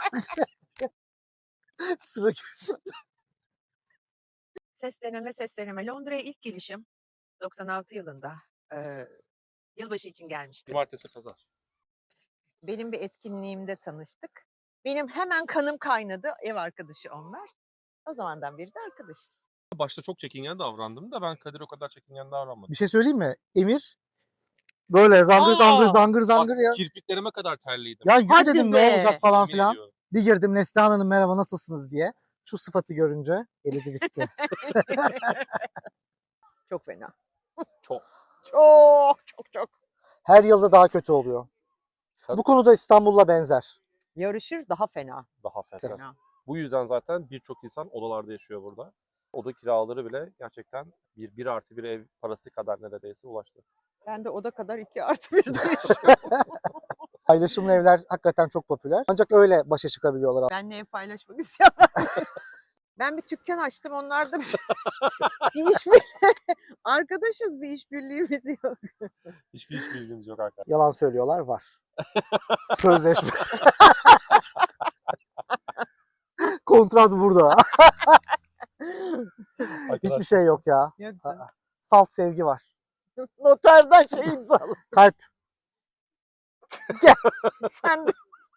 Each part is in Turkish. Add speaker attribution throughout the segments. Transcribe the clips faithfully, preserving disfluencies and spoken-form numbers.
Speaker 1: Sıra
Speaker 2: Ses deneme, ses deneme. Londra'ya ilk gelişim doksan altı yılında. Eee, yılbaşı için gelmiştim.
Speaker 3: Cumartesi, pazar.
Speaker 2: Benim bir etkinliğimde tanıştık. Benim hemen kanım kaynadı. Ev arkadaşı onlar. O zamandan beri de arkadaşız.
Speaker 3: Başta çok çekingen davrandım da ben Kadir o kadar çekingen davranmadım.
Speaker 1: Bir şey söyleyeyim mi? Emir böyle zangır zangır
Speaker 2: Aa!
Speaker 1: zangır zangır
Speaker 3: Bak,
Speaker 1: ya.
Speaker 3: kirpiklerime kadar terliydim.
Speaker 1: Ya yürü
Speaker 2: Hadi
Speaker 1: dedim ne
Speaker 2: be!
Speaker 1: olacak falan
Speaker 3: Yemin
Speaker 1: filan.
Speaker 3: ediyorum.
Speaker 1: Bir girdim Neslihan Hanım merhaba nasılsınız diye. Şu sıfatı görünce elidi bitti.
Speaker 2: Çok fena.
Speaker 3: Çok.
Speaker 2: Çok çok çok.
Speaker 1: Her yılda daha kötü oluyor.
Speaker 3: Tabii.
Speaker 1: Bu konuda İstanbul'la benzer.
Speaker 2: Yarışır daha fena.
Speaker 3: Daha fena.
Speaker 2: Fena.
Speaker 3: Bu yüzden zaten birçok insan odalarda yaşıyor burada. Oda kiraları bile gerçekten bir, bir artı bir ev parası kadar neredeyse ulaştı.
Speaker 2: Ben de oda kadar iki artı birde yaşıyorum.
Speaker 1: Paylaşımlı evler hakikaten çok popüler. Ancak öyle başa çıkabiliyorlar.
Speaker 2: Benle ev paylaşmak istemem. Ben bir dükkan açtım. Onlar da bir, bir iş bir arkadaşız, bir işbirliğimiz yok.
Speaker 3: Hiçbir hiç bilgimiz yok arkadaşlar.
Speaker 1: Yalan söylüyorlar var. Sözleşme. Kontrat burada. Hiçbir şey yok ya.
Speaker 2: Yok canım.
Speaker 1: Aa, Salt sevgi var.
Speaker 2: Noterden şey imzaladım.
Speaker 1: Kalp.
Speaker 2: Sen de.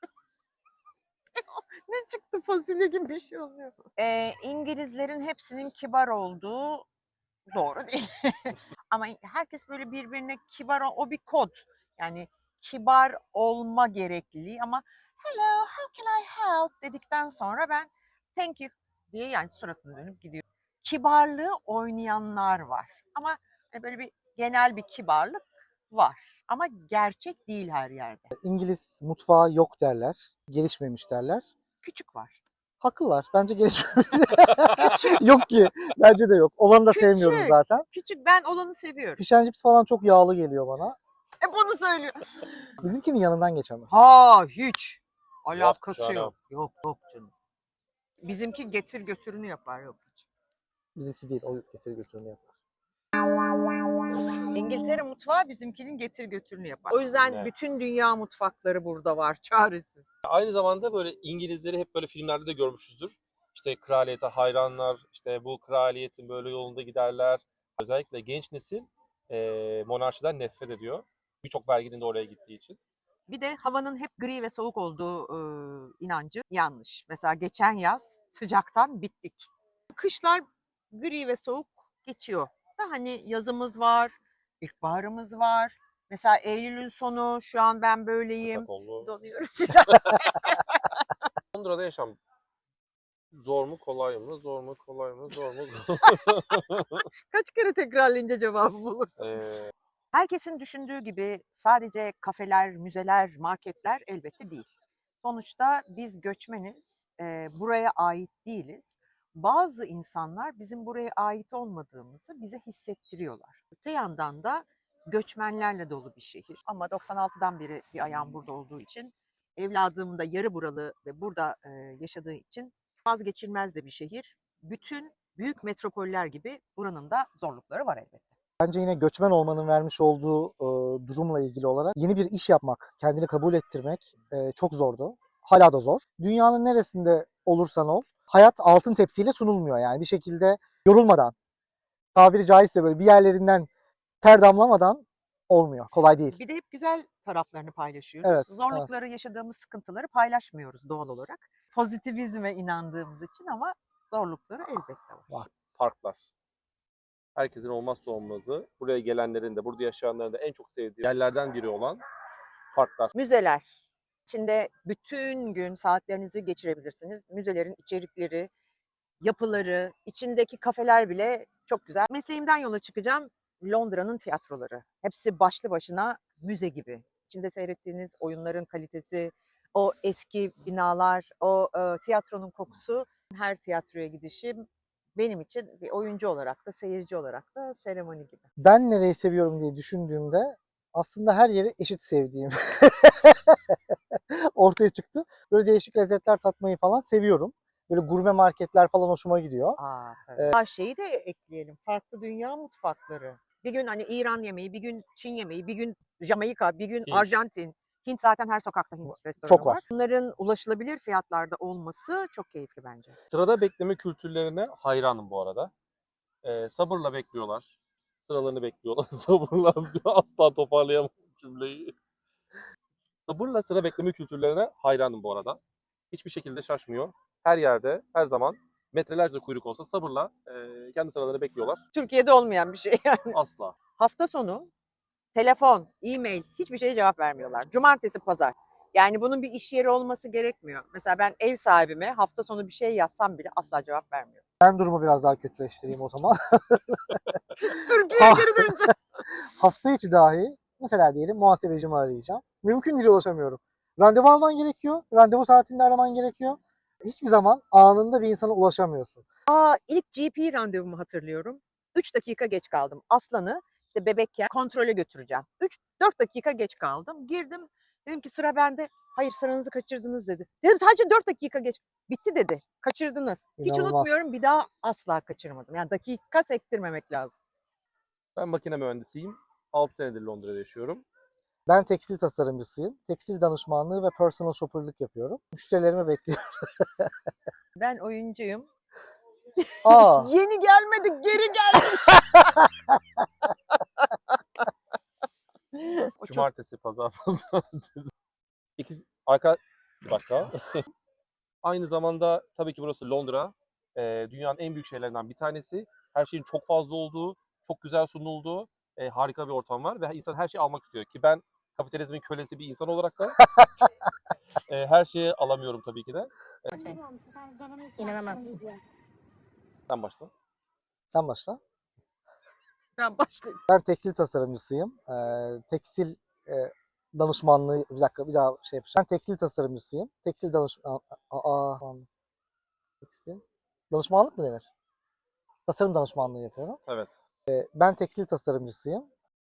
Speaker 2: Ne çıktı, fasulye gibi bir şey oluyor. Ee, İngilizlerin hepsinin kibar olduğu doğru değil. Ama herkes böyle birbirine kibar, o, o bir kod. Yani kibar olma gerekliliği ama hello, how can I help dedikten sonra ben thank you diye yani suratını dönüp gidiyorum. Kibarlığı oynayanlar var. Ama hani böyle bir genel bir kibarlık var. Ama gerçek değil her yerde.
Speaker 1: İngiliz mutfağı yok derler. Gelişmemiş derler.
Speaker 2: Küçük var.
Speaker 1: Haklılar. Bence gelişmemiş. Yok ki. Bence de yok. Olanı da sevmiyorum
Speaker 2: Küçük.
Speaker 1: zaten.
Speaker 2: Küçük, ben olanı seviyorum.
Speaker 1: Fish and chips falan çok yağlı geliyor bana.
Speaker 2: Hep onu söylüyor.
Speaker 1: Bizimkinin yanından geçemez.
Speaker 2: Ha hiç. Alakası
Speaker 3: canım.
Speaker 2: yok. Yok yok canım. Bizimki getir götürünü yapar yok hiç.
Speaker 1: Bizimki değil. O getir götürünü yapar.
Speaker 2: İngiltere mutfağı bizimkinin getir götürünü yapar. O yüzden
Speaker 3: Evet.
Speaker 2: bütün dünya mutfakları burada var. Çaresiz.
Speaker 3: Aynı zamanda böyle İngilizleri hep böyle filmlerde de görmüşüzdür. İşte kraliyete hayranlar, işte bu kraliyetin böyle yolunda giderler. Özellikle genç nesil e, monarşiden nefret ediyor. Birçok verginin de oraya gittiği için.
Speaker 2: Bir de havanın hep gri ve soğuk olduğu e, inancı yanlış. Mesela geçen yaz sıcaktan bittik. Kışlar gri ve soğuk geçiyor. Da hani yazımız var, ilkbaharımız var. Mesela Eylül'ün sonu, şu an ben böyleyim.
Speaker 3: Sakallı.
Speaker 2: Donuyorum.
Speaker 3: Londra'da yaşam zor mu kolay mı? Zor mu kolay mı? Zor mu?
Speaker 2: Kaç kere tekrarlayınca cevabı bulursun.
Speaker 3: ee,
Speaker 2: Herkesin düşündüğü gibi sadece kafeler, müzeler, marketler elbette değil. Sonuçta biz göçmeniz, e, buraya ait değiliz. Bazı insanlar bizim buraya ait olmadığımızı bize hissettiriyorlar. Öte yandan da göçmenlerle dolu bir şehir. Ama doksan altıdan beri bir ayağım burada olduğu için, evladım da yarı buralı ve burada e, yaşadığı için vazgeçilmez de bir şehir. Bütün büyük metropoller gibi buranın da zorlukları var elbette.
Speaker 1: Bence yine göçmen olmanın vermiş olduğu e, durumla ilgili olarak yeni bir iş yapmak, kendini kabul ettirmek e, çok zordu. Hala da zor. Dünyanın neresinde olursan ol, hayat altın tepsiyle sunulmuyor yani bir şekilde yorulmadan, tabiri caizse böyle bir yerlerinden ter damlamadan olmuyor. Kolay değil.
Speaker 2: Bir de hep güzel taraflarını paylaşıyoruz.
Speaker 1: Evet,
Speaker 2: Zorlukları, yaşadığımız sıkıntıları paylaşmıyoruz doğal olarak. Pozitivizme inandığımız için ama zorlukları elbette var.
Speaker 1: Var.
Speaker 3: parklar. Herkesin olmazsa olmazı. Buraya gelenlerin de, burada yaşayanların da en çok sevdiği yerlerden biri olan parklar.
Speaker 2: Müzeler. İçinde bütün gün saatlerinizi geçirebilirsiniz. Müzelerin içerikleri, yapıları, içindeki kafeler bile çok güzel. Mesleğimden yola çıkacağım. Londra'nın tiyatroları. Hepsi başlı başına müze gibi. İçinde seyrettiğiniz oyunların kalitesi, o eski binalar, o e, tiyatronun kokusu. Her tiyatroya gidişim benim için bir oyuncu olarak da, seyirci olarak da seremoni gibi.
Speaker 1: Ben nereyi seviyorum diye düşündüğümde aslında her yeri eşit sevdiğim ortaya çıktı. Böyle değişik lezzetler tatmayı falan seviyorum. Böyle gurme marketler falan hoşuma gidiyor.
Speaker 2: Aa, tabii. Aa, şeyi de ekleyelim. Farklı dünya mutfakları. Bir gün hani İran yemeği, bir gün Çin yemeği, bir gün Jamaika, bir gün
Speaker 3: Hint.
Speaker 2: Arjantin, Hint zaten her sokakta Hint restoranı
Speaker 1: Çok var.
Speaker 2: var. Bunların ulaşılabilir fiyatlarda olması çok keyifli bence.
Speaker 3: Sırada bekleme kültürlerine hayranım bu arada. Ee, sabırla bekliyorlar. Sıralarını bekliyorlar. Sabırla asla toparlayamam cümleyi. Sabırla sıra bekleme kültürlerine hayranım bu arada. Hiçbir şekilde şaşmıyor. Her yerde, her zaman metrelerce kuyruk olsa sabırla e, kendi sıralarını bekliyorlar.
Speaker 2: Türkiye'de olmayan bir şey yani.
Speaker 3: Asla.
Speaker 2: Hafta sonu telefon, e-mail hiçbir şeye cevap vermiyorlar. Cumartesi, pazar. Yani bunun bir iş yeri olması gerekmiyor. Mesela ben ev sahibime hafta sonu bir şey yazsam bile asla cevap vermiyor.
Speaker 1: Ben durumu biraz daha kötüleştireyim o zaman.
Speaker 2: Türkiye'ye geri döneceğiz.
Speaker 1: Hafta içi dahi mesela diyelim muhasebecimi arayacağım. Mümkün değil, ulaşamıyorum. Randevu alman gerekiyor. Randevu saatinde araman gerekiyor. Hiçbir zaman anında bir insana ulaşamıyorsun.
Speaker 2: Aa, ilk G P randevumu hatırlıyorum. üç dakika geç kaldım. Aslan'ı işte bebekken kontrole götüreceğim. üç dört dakika geç kaldım. Girdim. Dedim ki sıra bende. Hayır, sıranızı kaçırdınız dedi. Dedim sadece dört dakika geç. Bitti dedi. Kaçırdınız. Hiç
Speaker 1: İnanılmaz.
Speaker 2: unutmuyorum. Bir daha asla kaçırmadım. Yani dakika sektirmemek lazım.
Speaker 3: Ben makine mühendisiyim. altı senedir Londra'da yaşıyorum.
Speaker 1: Ben tekstil tasarımcısıyım. Tekstil danışmanlığı ve personal shopper'lık yapıyorum. Müşterilerimi bekliyorum.
Speaker 2: Ben oyuncuyum.
Speaker 1: Aa,
Speaker 2: Yeni gelmedik, geri geldik. O çok
Speaker 3: Cumartesi, pazar, pazartesi. İkisi, arka, bir dakika. Aynı zamanda tabii ki burası Londra. Ee, dünyanın en büyük şehirlerinden bir tanesi. Her şeyin çok fazla olduğu, çok güzel sunulduğu, e, harika bir ortam var. Ve insan her şeyi almak istiyor. Ki ben kapitalizmin kölesi bir insan olarak da e, her şeyi alamıyorum tabii ki de.
Speaker 4: İnanamaz.
Speaker 3: Sen başla.
Speaker 1: sen başla.
Speaker 2: ben başlayayım.
Speaker 1: Ben tekstil tasarımcısıyım. Ee, tekstil e, danışmanlığı, bir dakika bir daha şey yapacağım. Ben tekstil tasarımcısıyım. Tekstil danışman... Aa, aa, tekstil. Danışmanlık mı denir? Tasarım danışmanlığı yapıyorum.
Speaker 3: Evet.
Speaker 1: Ben tekstil tasarımcısıyım.